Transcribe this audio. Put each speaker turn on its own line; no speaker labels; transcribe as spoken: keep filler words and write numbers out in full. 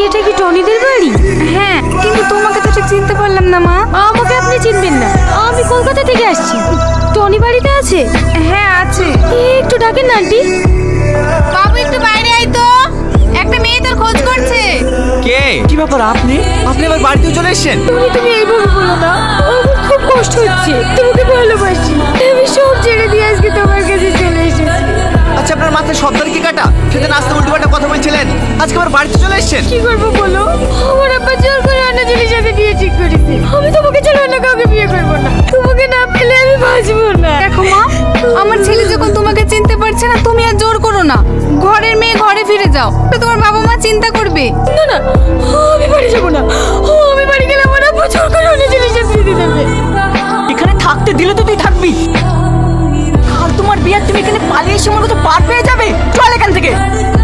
এটা কি টনিদের বাড়ি?
হ্যাঁ, কিন্তু তোমাকে তো ঠিক চিনতে পারলাম না মা।
আমাকে আপনি চিনবেন না, আমি কলকাতা থেকে আসছি। টনি বাড়িতে আছে?
হ্যাঁ আছে।
একটু ডাকেন না আন্টি।
বাবু একটু বাইরে আয় তো, একটা মেয়ে তোর খোঁজ করছে।
কে? কি ব্যাপার, আপনি আপনি আবার বাড়িতেও চলে এসেছেন?
টনি তুমি এইভাবে বলো না, আমার খুব কষ্ট হচ্ছে। তোমাকে ভালোবাসি, আমি সব ছেড়ে দিয়ে আজকে তোমার কাছে চলে এসেছি।
আচ্ছা, আপনার মাথায় সর্দার কি কাটা? সেদিন আসতে উল্টো পাল্টা কথা বলছিলেন, আজকে আবার বাড়িতে চলে এসেছেন।
কি করবো বলো, আমার আব্বা জোর করে অন্য ছেলের সাথে বিয়ে ঠিক করেছে। আমি তোমাকে ছাড়া অন্য কাউকে বিয়ে করবো না। তোমাকে না পেলে আমি বাঁচবো না।
দেখো মা, আমার ছেলে যখন তোমাকে চিনতে পারছে না, তুমি আর জোর করো না। ঘরের মেয়ে ঘরে ফিরে যাও, তো তোমার বাবা মা চিন্তা করবে।
না না, আমি বাড়ি যাবো না। আমি বাড়ি গেলে আমার আব্বা জোর করে অন্য ছেলের সাথে বিয়ে দেবে।
এখানে থাকতে দিলে তো তুই থাকবি, আর তোমার বিয়ে তুমি এখানে পালিয়ে এসে আমার কত পার পেয়ে যাবে। চল এখান থেকে।